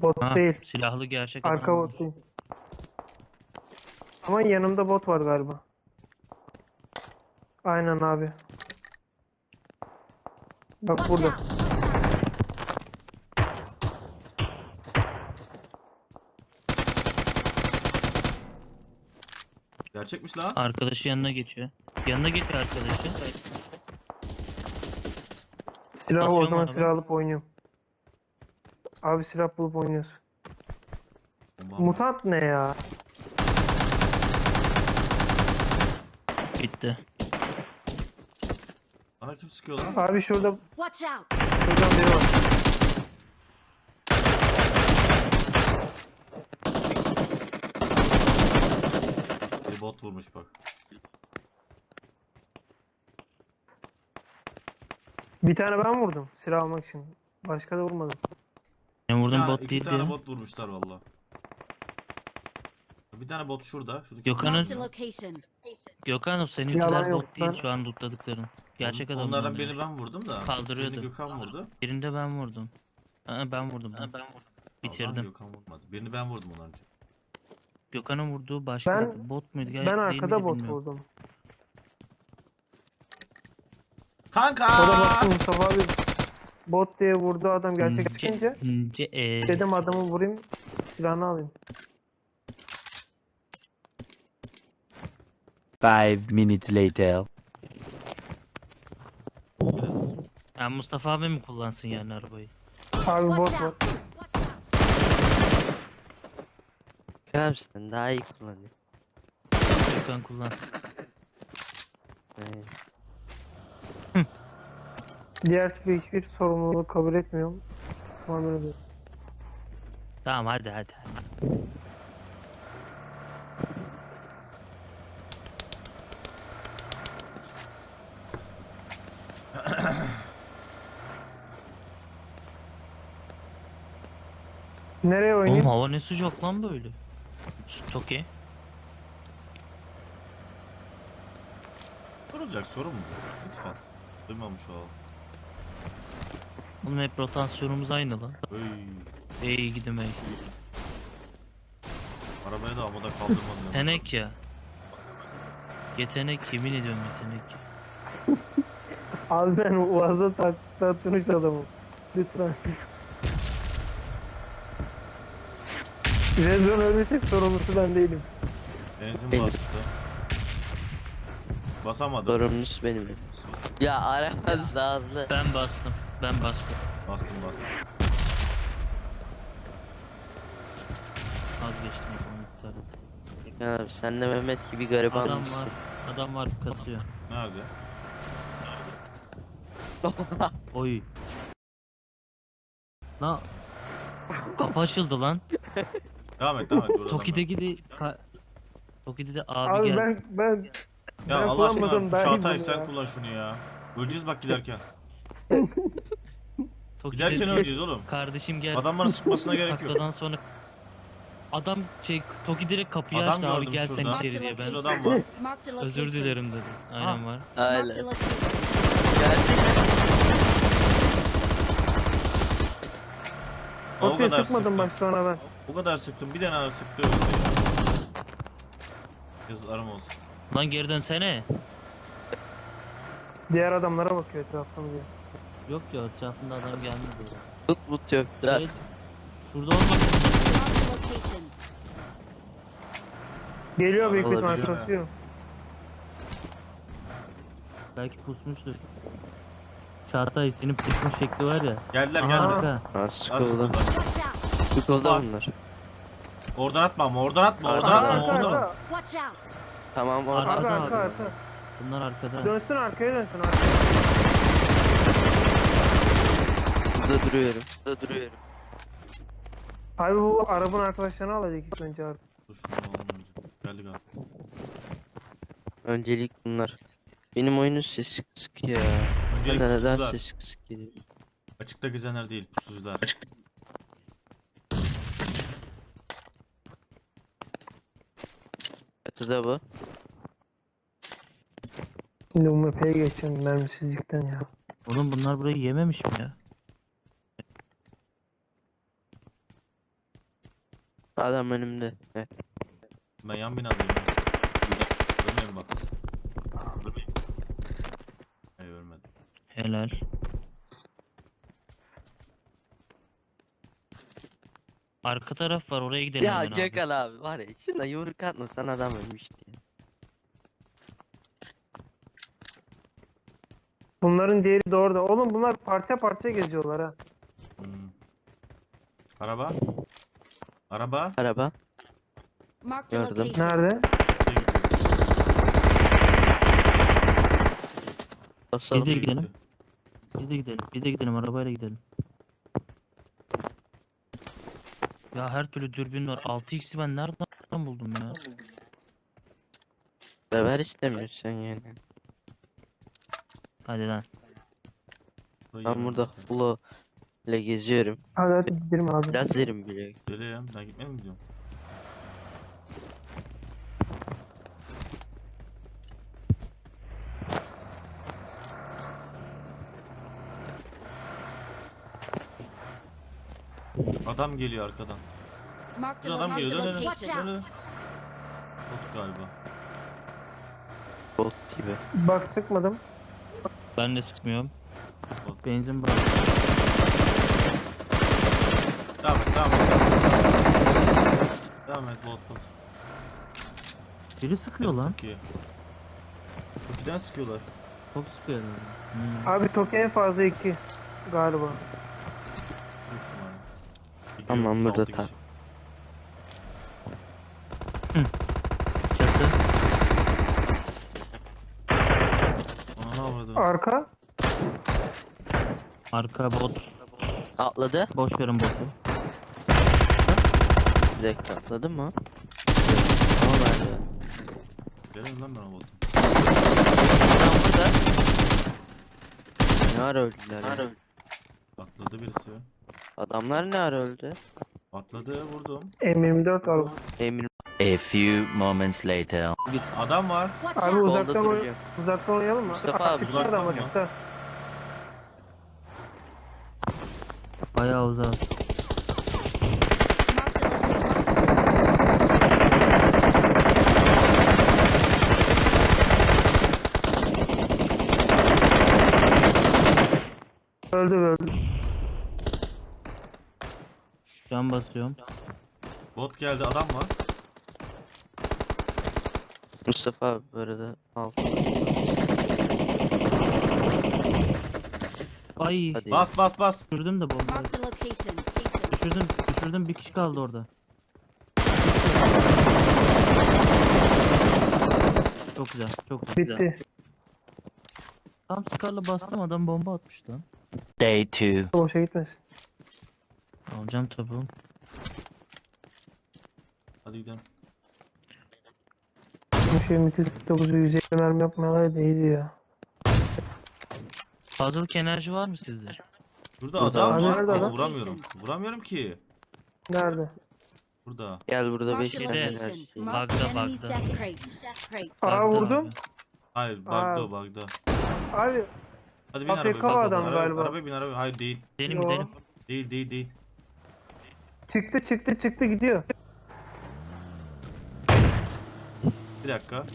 Bot Ha, değil. silahlı gerçek Arka adam. bot değil. Ama yanımda bot var galiba. Aynen abi. Bak Watch burada. out! Gerçekmiş lan. Arkadaşı yanına geçiyor. Yanına geçiyor arkadaşı. Silah o Basıyor mu zaman araba? silah alıp oynuyorum. Abi silah bulup oynuyoruz. Tamam. Mutant ne ya? Bitti. Bana kim sıkıyor lan? Abi şurada Watch out! şuradan biri var. Bir bot vurmuş bak. Bir tane ben vurdum silah almak için. Başka da vurmadım. Ben vurdum tane, bot iki değil tane diyor. bot vurmuşlar valla. Bir tane bot şurada. Şuradaki Gökhan'ın- Marked a location. Gökhan'ım seninkiler Yalan yok, bot değil ben- şu an lootladıkların. Gerçek adam. Onlardan birini ben vurdum da. Kaldırıyordu. Birini Gökhan vurdu. Birinde ben vurdum. Ben vurdum. O zaman Bitirdim. Gökhan vurmadı. Birini ben vurdum ondan önce. Gökhan'ın vurduğu başka Ben- bot muydu? Ben değil arkada miydi bot bilmiyorum. vurdum. Kanka! O da baktım Mustafa abi bot diye vurdu adam gerçek çıkınca. Dedim adamı vurayım silahını alayım. 5 minutes later. Yani Mustafa abi mi kullansın yani arabayı? Abi bot Watch var. out! Kerem sen daha iyi kullanıyor. Gökhan kullansın. Diğer türlü hiçbir sorumluluğu kabul etmiyorum. Muamele ediyorum. Tamam hadi. Nereye Oğlum oynayayım? hava ne sıcak lan böyle. Toki. Sorulacak soru mu bu? Lütfen. Duymamış olalım. Oğlum hep rotasyonumuz aynı lan. Öy. İyi gidemeyi. Arabaya da havada kaldırmadım. Yetenek ya. Yetenek yemin ediyorum yetenek. Abi ben Uaz'a tatmış adamım. Lütfen. Rezon ölmesek sorumlusu ben değilim. Benzin Benim. bastı. Basamadım. Sorumlusu benim. Ya araba daha hızlı. Ben bastım. Bastım. Vazgeçtim o zaman iptal et. Ya abi sen de Mehmet gibi gariban Adam mısın? var. Adam var katıyor. Nerede? Oy. Lan. Kapı açıldı lan. Devam et. Buradan Toki'deki de Toki'de de abi, Abi geldi. ben Ya ben Allah aşkına kullanmadım, daha iyi Çağatay bunu sen ya. kullan şunu ya. Öleceğiz bak giderken. Toki'de Giderken öleceğiz oğlum. kardeşim geldi. Adam bana sıkmasına gerek yok. Takladan sonra adam Toki direkt kapıyı Adam açtı abi gördüm gel sen şurada. içeri diye. Ben Şurada adam var. Marked a location. özür dilerim dedi. Aynen var. Marked Öyle. a location. Gerçekten. O Ortaya kadar sıkmadım sıktım. başta ona ben. O kadar sıktım. Bir tane ağır sıktı öldü ya. Yazılarım olsun. Lan geri dönsene. Diğer adamlara bakıyor etraftan diye. Yok ya etrafında adam gelmedi. Tut but yok. Da. Evet. Şurada olmak. Marked a location. Geliyor büyük ihtimal Olabilir. kasıyor. Belki pusmuştur. Çağatay senin pusmuş şekli var ya. Geldiler Aha, geldiler. arka. Ha Az sıkıldı. sıkıldılar. Watch out! Sıkıldı Bak. bunlar. Oradan atma ama oradan atma. Oradan Arka, atma. Arka Oradan. arka. Watch out! Tamam Arka. orada. Arka Arkada arka abi. arka. Bunlar arkada. Dönsün arkaya dönsün arkaya. Burada duruyorum. Abi bu arabanın arkadaşlarını alacak ilk önce artık. Dur şunu alalım önce. Geldik abi. Öncelik bunlar. Benim oyunun sesi kısık ya. Öncelik Neden pusucular. sesi kısık geliyor? Açıkta gezenler değil. Pusucular. Çatıda bu. Şimdi bu map'e geçeceğim mermisizlikten ya. Oğlum bunlar burayı yememiş mi ya? Adam önümde. Evet. Ben yan binadayım. Ölmeyin bak. Hayır ölmedim. Helal. Arka taraf var, oraya gidelim Ya hemen abi. Gökhan abi var ya şuna yumruk atmasan adam ölmüştü. Ya. Bunların diğeri de orada. Oğlum bunlar parça parça geziyorlar ha. Hmm. Araba. Araba. Araba. Marked a Gördüm. location. Nerede? Basalım. Biz de gidelim. Biz de gidelim. Biz de gidelim. Arabayla gidelim. Ya her türlü dürbün var. 6x'i ben nereden buldum ya? Sever istemiyorsun yani. Hadi lan. Ben burada Holo ile geziyorum. Hadi gidelim abi. Lazerim bile. Geleyim. Ben gitmeye mi gidiyorum? Adam geliyor arkadan. Marked Bir a adam geliyor. Dön dön dön. location. Dön, dön. Watch out. Bot galiba. Bot gibi. Bak sıkmadım. Ben de sıkmıyorum. Bot. Benzin bırak. Devam et. Devam et. Devam et bot bot. Biri sıkıyor lan. Çok iyi. Tokiden sıkıyorlar. Çok sıkıyor. Abi Toki en fazla 2 galiba. Büyük ihtimalle. İki, Tamam, otuz burada altı tak. kişi. Çatı. Ana ne avradı? Arka. Arka bot. Atladı. Boş verin botu. Bir dakika atladı mı? Ama nerede? Gelin lan ben o botu. Adam burada. Ne ara öldüler ya? Atladı birisi. Adamlar ne ara öldü? Atladı vurdum. M24 al. Emin A few moments later. Adam var. Watch Abi out. solda uzaktan, duracağım. uzaktan oynayalım mı? Mustafa abi, Açıkta adam uzaktan mı? açıkta. Bayağı uzak. Marked a location. Öldü. Can basıyorum. Bot geldi adam var. Mustafa abi bu arada al. Ay. Hadi. Bas bas bas. Düşürdüm de bombayı. Marked a location. Düşürdüm. Bir kişi kaldı orada. Çok güzel. Çok güzel. Bitti. Tam sıkarla bastım, adam bomba atmış lan. Day 2. Boşa gitmesin. Alacağım tabi. Hadi gidelim. Bu şey müthiş 9'u 150 mermi yapmayalar da iyiydi ya. Puzzle enerji var mı sizde? Burada Burada adam abi, var. nerede Ama adam? vuramıyorum. Vuramıyorum ki. Nerede? Burada. Gel burada 5 Marked a Şeyde, tane her location. şey. Marked Bug'da, enemy's bug'da. death crate. Aa Bug'da vurdum. abi. Hayır Aa. bug'da o bug'da. Abi Hadi bin AFK arabaya. Bak, adam arabaya, galiba. Arabaya bin arabaya. Hayır değil. Gidelim Yo. gidelim. Değil. çıktı gidiyor. Bir dakika.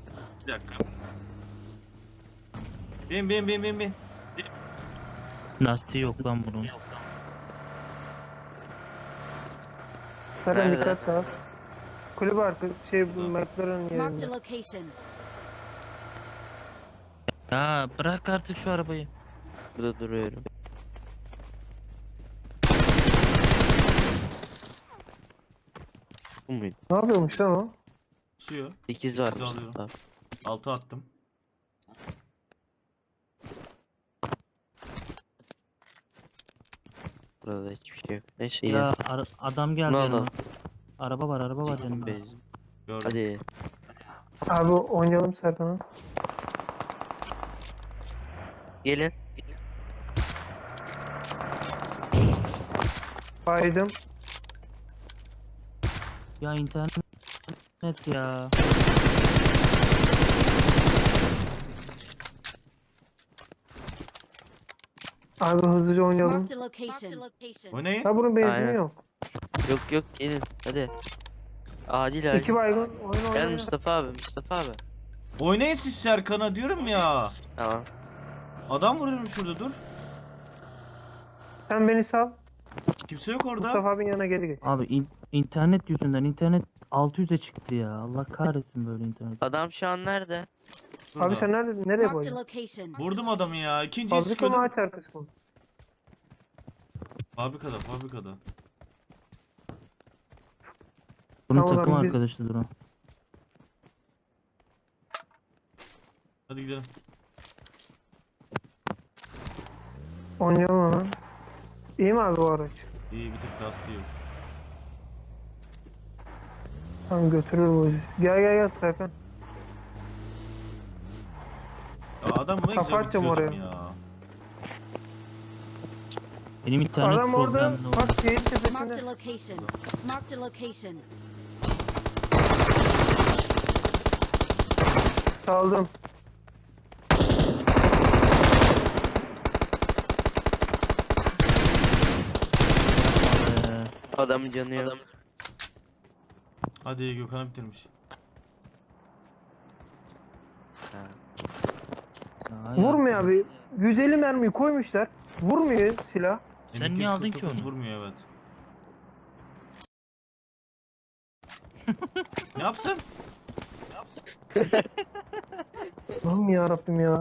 Bin. Lastiği yok lan bunun. Serkan Nerede? dikkat dağıt. Kulübü arka bu McLaren Marked a yerinde. location. Ya bırak artık şu arabayı. Burada duruyorum. Bu muydu? Ne yapıyormuş lan o? Suyu. 8 var Sekizi Mustafa alıyorum. abi. 6 attım. Burada hiçbir şey yok. Neyse Ya ya. adam geldi Ne yanıma. oldu? Araba var yanımda. Benzin. Gördüm. Hadi. Abi oynayalım Serkan'a. Gelin. Baydım. Ya internet ya. Abi hızlıca oynayalım. Marked a location. Oynayın. Ha bunun benzini Aynen. yok. Yok yok gelin hadi. Acil acil. İki baygın oyun Gel oyna. Mustafa abi Mustafa abi. Oynayın siz Serkan'a diyorum ya. Tamam. Adam vuruyorum şurada dur. Sen beni sal. Kimse yok orada. Mustafa abinin yanına geri geç. Abi internet yüzünden internet 600'e çıktı ya. Allah kahretsin böyle internet. Adam şu an nerede? Şurada. Abi sen nereye Marked a boyun? location. Vurdum adamı ya. İkinciyi Fabrika mı sıkıyordum. ağaç arkası mı? Fabrikada. Bunun Tamam takım abi, biz- arkadaşıdır o. Hadi gidelim. Oynayalım hemen. İyi mi abi bu araç? İyi bir tek lastiği yok. Tamam götürür bu bizi. Gel Serkan. Ya adam ne güzel Kapatacağım bitiriyordum oraya. ya. Benim internet Adam orada problemli oldu. bak şehir Marked a tepesinde. location. Marked a location. Saldım. Adamın canı yok. Hadi Gökhan'ı bitirmiş. Ya, Vurmuyor abi. 150 mermiyi koymuşlar. Vurmuyor silah. Sen niye aldın ki M249 onu? Vurmuyor evet. Ne yapsın? Allah'ım ya Rabbim ya.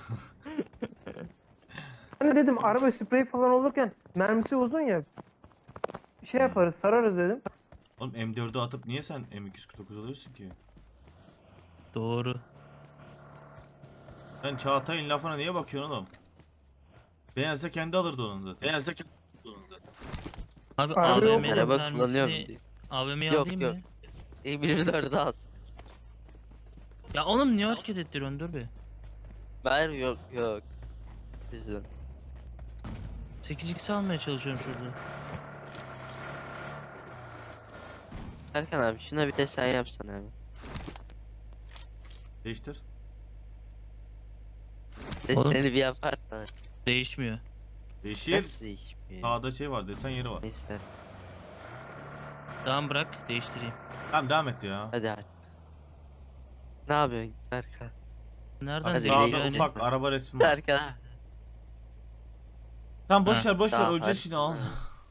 Ben de dedim araba sprey falan olurken mermisi uzun ya. Şey yaparız, sararız dedim. Oğlum M4'ü atıp niye sen M249 alıyorsun ki? Doğru. Sen Çağatay'ın lafına niye bakıyorsun oğlum? Beğense kendi alırdı onun zaten. Abi Araba yok. AVM'nin Araba kullanıyorum. mermisini AVM'yi Yok, alayım yok. mı? İyi az. Ya oğlum niye hareket ettiriyorsun dur be. Ver yok. Bizim. 8x almaya çalışıyorum şurada. Serkan abi şuna bir de sen yapsana abi. Değiştir. Oğlum. Seni bir yaparsan. Değişmiyor. Değişir. Nasıl değişmiyor? Sağda şey var, desen yeri var. Neyse. Tamam bırak değiştireyim. Tamam devam et ya. Hadi. Ne yapıyorsun Serkan? Nereden Hadi değişiyor Sağda yani? ufak araba resmi var. Serkan. Tamam boş Ha, ver boş ver tamam, öleceğiz hadi. şimdi al.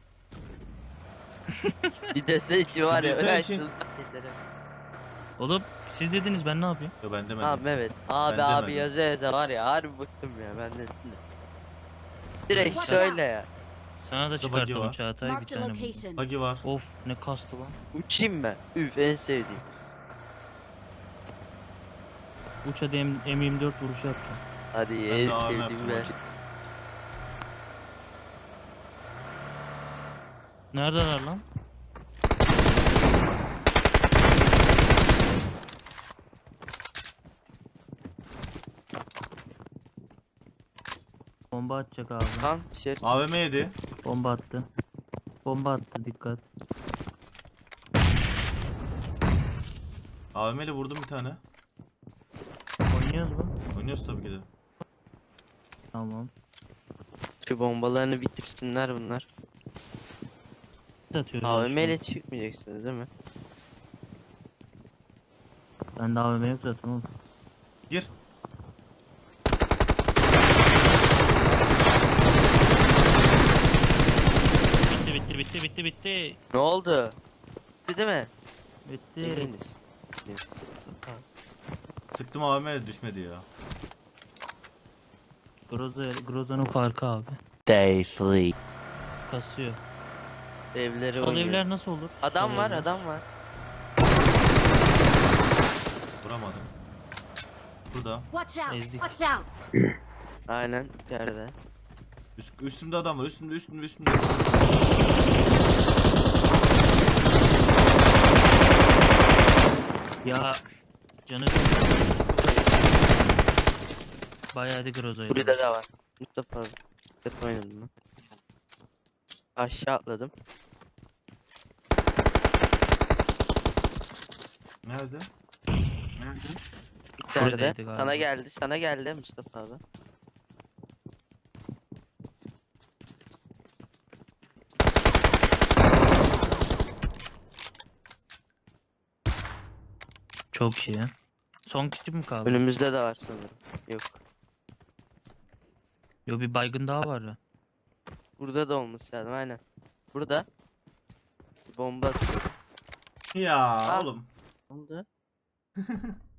Bir desen için var Bir ya. desen öyle için- açtın. Oğlum siz dediniz ben ne yapayım? Yo ben demedim. Tamam evet. Abi Ben abi demedim. yaza var ya harbi bıktım ya ben de. Direkt Watch şöyle out. ya. Sana da Burada buggy çıkartalım var. Çağatay bir Marked a tane buldum. location. Buggy var. Of ne kastı lan. Uçayım ben. Üf en sevdiğim. Uç hadi M24 vuruşu yapacağım. Hadi Ben en de AVM sevdiğim yapacağım ver. hadi. Neredeler lan? Bomba atacak abi. Tam şey. AVM yedi. Bomba attı. Bomba attı dikkat. AVM ile vurdum bir tane. Oynuyoruz mu? Oynuyoruz tabii ki de. Tamam. Şu bombalarını bitirsinler bunlar. Atıyoruz. AVM aşağı. ile çıkmayacaksınız değil mi? Bende AVM yok zaten oğlum. Gir. Bitti. Ne oldu? Bitti değil mi? Bitti. Eminiz. Sıktım AVM de düşmedi ya. Groza'nın farkı abi. Day 3. Kasıyor. Evleri Sol oynuyor. evler nasıl olur? Adam Sol var evler. adam var. Vuramadım. Burada. Watch out. Ezdik. Watch out. Aynen içeride. Üstümde adam var. Üstümde. Ya canı bayağı hadi Groza'ydı. Burada da var. Mustafa abi. Mustafa oynadım ben. Aşağı atladım. Nerede? İçeride. Buradaydı galiba. Sana geldi Mustafa abi. Çok iyi. Son kişi mi kaldı? Önümüzde de var sanırım. Yok. Yo, bir baygın daha var ya. Burada da olması lazım aynen. Burada. Bomba atıyor. Ya Ah. oğlum. Ne oldu?